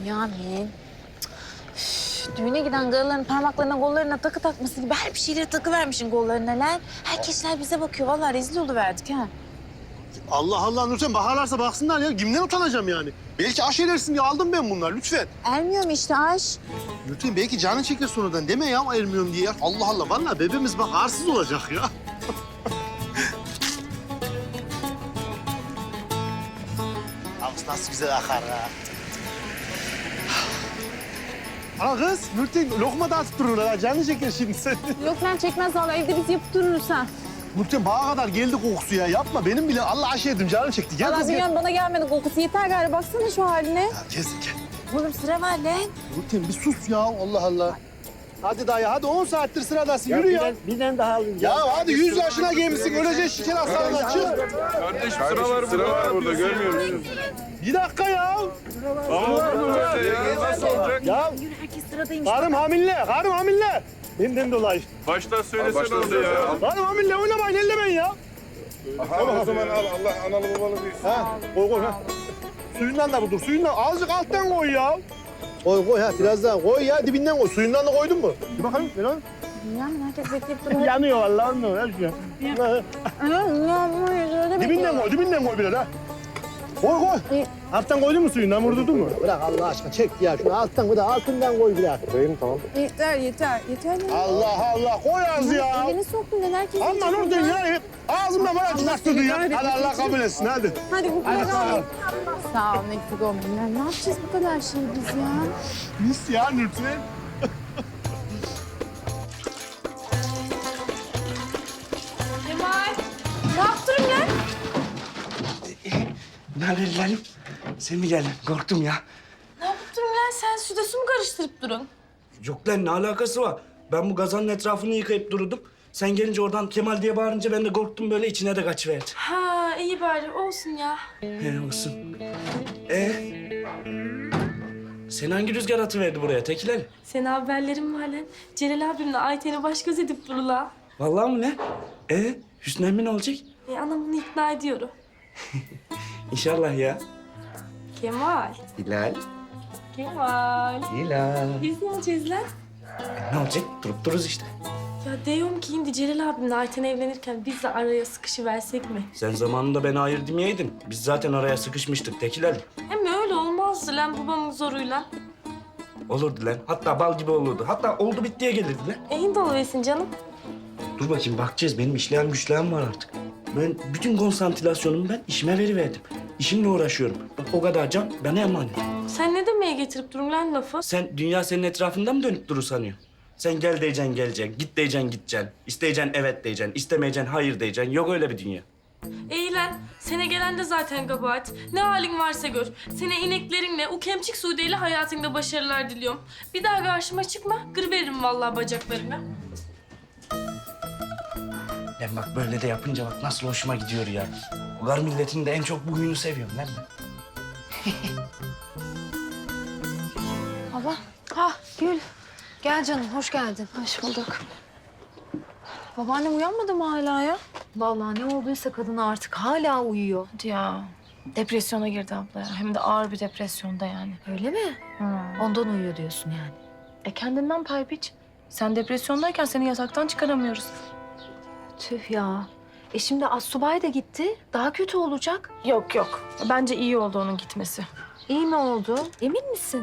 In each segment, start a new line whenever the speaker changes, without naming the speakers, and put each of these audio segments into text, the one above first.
Yamin. Düğüne giden karıların parmaklarına, kollarına takı takması gibi her bir şeyleri takıvermişsin kollarına lan. Herkesler bize bakıyor. Vallahi rezil oluverdik ha.
Allah Allah Nurten bakarlarsa baksınlar ya. Kimden utanacağım yani? Belki aş edersin diye aldım ben bunlar lütfen.
Ermiyorum işte aş.
Nurten belki canın çeker sonradan deme ya ayırmıyorum diye. Allah Allah vallahi bebeğimiz bak arsız olacak ya. Ağız nasıl güzel akar ha. Ana kız Nurten lokma da atıp dururlar ha. Canın çeker şimdi sen.
Yok lan çekmez vallahi evde biz yapıp dururuz ha.
Nurten bağa kadar geldi kokusu ya. Yapma benim bile Allah aş yedim canım çekti. Gel
Vallahi
kız gel.
bilmiyorum bana gelmedi kokusu. Yeter gari baksana şu haline.
Ya kesin gel.
Oğlum sıra var lan.
Nurten bir sus ya Allah Allah. Hadi dayı hadi 10 saattir sıradasın yürü ya.
Birden daha alayım.
Ya hadi 100 yaşına gelmişsin öleceksin şeker hastalığına çık.
Kardeş sıra var burada görmüyor musun?
Bir dakika ya.
Ama böyle ya nasıl olacak?
Ya
Yürü herkes sıradaymış.
karım hamile. Benden dolayı.
Baştan söylesen oldu ya.
Karım hamile oynamayın ellemeyin ya.
Tamam o zaman al Allah analı babalı büyüsün.
Ha koy ha. Suyundan da budur suyundan azıcık alttan koy ya. Koy ha biraz daha koy ya dibinden koy. Suyundan da koydun mu? Bir bakalım ver lan.
Yamin herkes bekleyip duruyor.
Yanıyor vallahi anlıyor ya şu dibinden koy biraz ha. Koy. Alttan koydun mu suyundan vurdurdun mu? Bırak Allah aşkına çek ya şunu alttan bir de altından koy biraz. Koyayım tamam.
Yeter.
Allah Allah koy az ya.
Elini soktun lan herkes.
Aman oradan ya. Ağzımdan bana çıkarttırdın ya. Hadi Allah kabul etsin hadi.
Hadi bu
Hadi
kadar.
sağ ol.
Sağ ol eksik olmayın. Ne yapacağız bu kadar şey biz ya?
Mis ya Nurten.
Kemal. Ne yaptın lan?
Ne haber Lalim? Sen mi geldin? Korktum ya.
Ne yaptın lan sen? Suda su mu karıştırıp durun?
Yok lan ne alakası var? Ben bu gazanın etrafını yıkayıp dururdum. Sen gelince oradan Kemal diye bağırınca ben de korktum böyle içine de kaçıverdim.
Ha iyi bari olsun ya.
He olsun. Sen hangi rüzgar atıverdi buraya Tekilel?
Senin haberlerin var lan. Celal abimle Ayten'i baş göz edip durula.
Vallahi mı ne? Hüsnü emmi ne olacak?
Anam bunu ikna ediyorum.
İnşallah ya.
Kemal.
Hilal. Hilal.
Biz ne olacağız lan?
Ne olacak? Durup dururuz işte.
Ya diyorum ki şimdi Celal abimle Ayten evlenirken biz de araya sıkışıversek mi?
Sen zamanında bana hayır demeyeydin. Biz zaten araya sıkışmıştık Tekilel.
Hem öyle olmazdı lan babamın zoruyla.
Olurdu lan. Hatta bal gibi olurdu. Hatta oldu bittiye gelirdi lan.
İyi doluversin canım.
Dur bakayım bakacağız. Benim işleyen güçleyen var artık. Ben bütün konsantrasyonumu ben işime veriverdim. İşimle uğraşıyorum. Bak o kadar can bana emanet.
Sen ne demeye getirip durun lan lafı?
Sen dünya senin etrafında mı dönüp durur sanıyorsun? Sen gel diyeceksin geleceksin, git diyeceksin gideceksin. İsteyeceksin evet diyeceksin, istemeyeceksin hayır diyeceksin. Yok öyle bir dünya.
İyi lan. Sene gelen de zaten kabahat. Ne halin varsa gör. Sene ineklerinle, o kemçik Sude'yle hayatında başarılar diliyorum. Bir daha karşıma çıkma, kırıveririm vallahi bacaklarını.
Ben bak böyle de yapınca bak nasıl hoşuma gidiyor ya. Ular milletinin de en çok bu huyunu seviyorum lan ben.
Baba. Ha Gül. Gel canım, hoş geldin. Hoş bulduk. Babaannem uyanmadı mı hala ya? Vallahi ne olduysa kadına artık hala uyuyor.
Ya depresyona girdi abla ya. Hem de ağır bir depresyonda yani.
Öyle mi? Ondan uyuyor diyorsun yani.
Kendinden pay biç. Sen depresyondayken seni yataktan çıkaramıyoruz.
Tüh ya. Şimdi Assubay da gitti. Daha kötü olacak.
Yok. Bence iyi oldu onun gitmesi.
İyi mi oldu? Emin misin?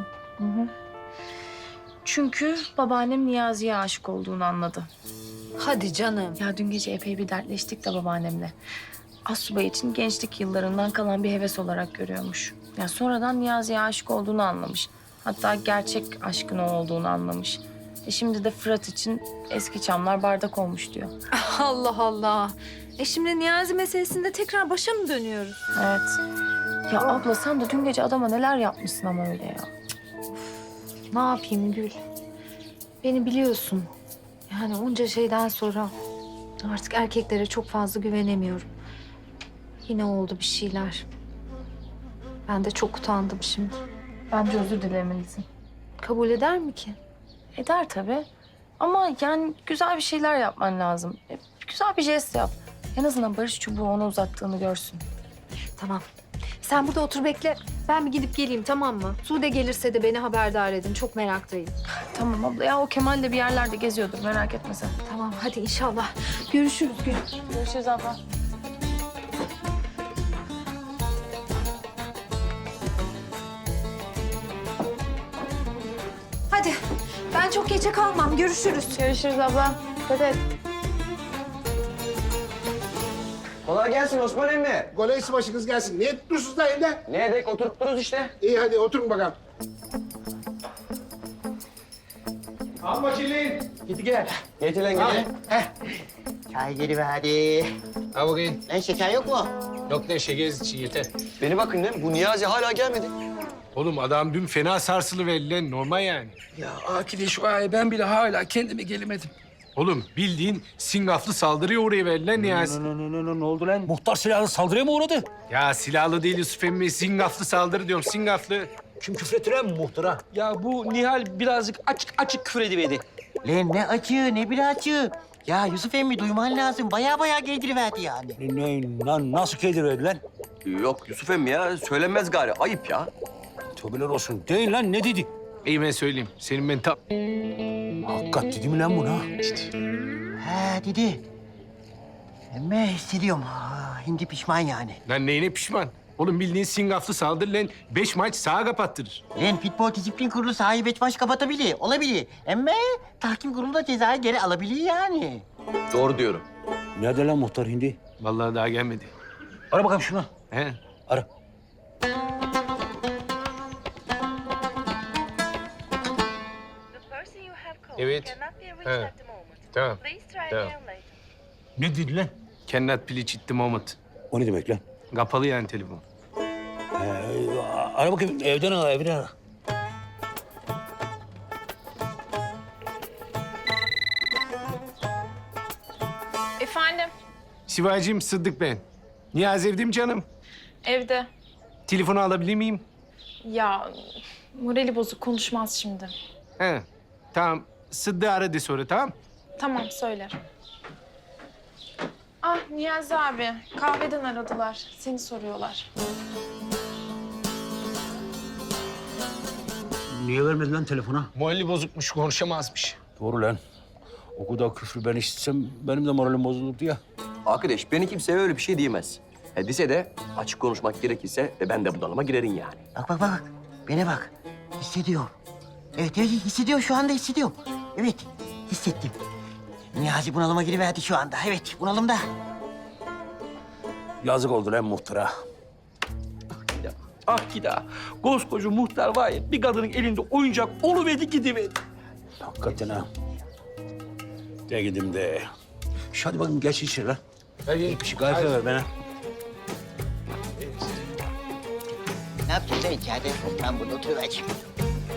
Çünkü babaannem Niyazi'ye aşık olduğunu anladı.
Hadi canım.
Ya dün gece epey bir dertleştik de babaannemle. Assubay için gençlik yıllarından kalan bir heves olarak görüyormuş. Ya sonradan Niyazi'ye aşık olduğunu anlamış. Hatta gerçek aşkın o olduğunu anlamış. Şimdi de Fırat için eski çamlar bardak olmuş diyor.
Allah Allah. Şimdi Niyazi meselesinde tekrar başa mı dönüyoruz?
Evet. Ya abla sen de dün gece adama neler yapmışsın ama öyle ya.
Ne yapayım Gül? Beni biliyorsun. Yani onca şeyden sonra artık erkeklere çok fazla güvenemiyorum. Yine oldu bir şeyler. Ben de çok utandım şimdi.
Bence özür dilemelisin.
Kabul eder mi ki?
Eder tabii. Ama yani güzel bir şeyler yapman lazım. Güzel bir jest yap. En azından barış çubuğu ona uzattığını görsün.
Tamam. Sen burada otur bekle. Ben bir gidip geleyim, tamam mı? Sude gelirse de beni haberdar edin. Çok meraktayım.
Tamam abla ya, o Kemal de bir yerlerde geziyordur, merak etme sen.
Tamam, hadi inşallah. Görüşürüz Gül.
Görüşürüz abla.
Hadi. Ben çok geçe kalmam. Görüşürüz.
Görüşürüz abla. Dikkat et.
Kolay gelsin Osman emmi.
Kolaysı başınız gelsin. Niye tutmuşsunuz da evde?
Ne edek oturup dururuz işte.
İyi hadi oturun bakalım. Al bakayım.
Git gel. Getir lan gel.
Çay geliverdi.
Al bakayım.
Lan şeker yok mu?
Yok ne şekeriz için yeter.
Beni bakın lan, bu Niyazi hala gelmedi.
Oğlum adam dün fena sarsılıverdi lan, normal yani.
Ya arkadaş vay, ben bile hala kendime gelemedim.
Oğlum bildiğin singaflı saldırıya uğrayıverdi lan Niyazi.
Ne oldu lan? Muhtar silahlı saldırıya mı uğradı?
Ya silahlı değil Yusuf emmi, singaflı saldırı diyorum, singaflı.
Kim küfretti lan muhtara? Ya bu Nihal birazcık açık küfür ediverdi.
Lan ne açığı ne bir açığı. Ya Yusuf emmi duyman lazım. Baya giydiriverdi yani.
Nasıl keydirverdi lan?
Yok Yusuf emmi ya, söylenmez gari. Ayıp ya.
Tövbeler olsun. Değil lan, ne dedi?
İyi ben söyleyeyim, senin ben tam...
Hakikat dedi mi lan buna?
He dedi. Ama hissediyorum. Hindi pişman yani.
Lan neyine pişman? Oğlum bildiğin singaflı saldırı lan 5 maç sağa kapattırır.
Lan futbol disiplin kurulu sahayı beş maç kapatabilir. Olabilir. Ama tahkim kurulu da cezayı geri alabilir yani.
Doğru diyorum.
Nerede lan muhtar hindi?
Vallahi daha gelmedi.
Ara bakalım şuna.
He?
Ara.
Evet. He. Tamam. Tamam.
Ne dedi lan?
Cannot please at the moment.
O ne demek lan?
Kapalı yani telefon.
Ara bakayım, evden ara.
Efendim,
Sivacığım, Sıddık ben. Niyazi evde mi canım?
evde.
Telefonu alabilir miyim?
Ya morali bozuk, konuşmaz şimdi.
He. Tamam. Sıddık'ı ara de sonra, tamam?
Tamam, söylerim. Ah Niyazi abi, kahveden aradılar. Seni soruyorlar.
Niye vermedi lan telefona?
Morali bozukmuş, konuşamazmış.
Doğru lan. O kadar küfrü ben işitsem benim de moralim bozulurdu ya.
Arkadaş, beni kimseye öyle bir şey diyemez. Dese de açık konuşmak gerekirse ben de bunalıma girerim yani.
Bak. Bana bak. Hissediyorum. Evet hissediyorum. Şu anda hissediyorum. Evet hissettim. Niyazi bunalıma giriverdi şu anda. Evet bunalımda.
Yazık oldu lan muhtara.
Ah gida. Koskoca muhtar var ya, bir kadının elinde oyuncak oluverdi gidiverdi.
Hakikaten ha. De gidim de. Hadi bakayım geç içeri lan.
Hadi.
Bir şey kahve ver bana.
Ne yapacağız lan içeride? Ben burada oturuvereceğim.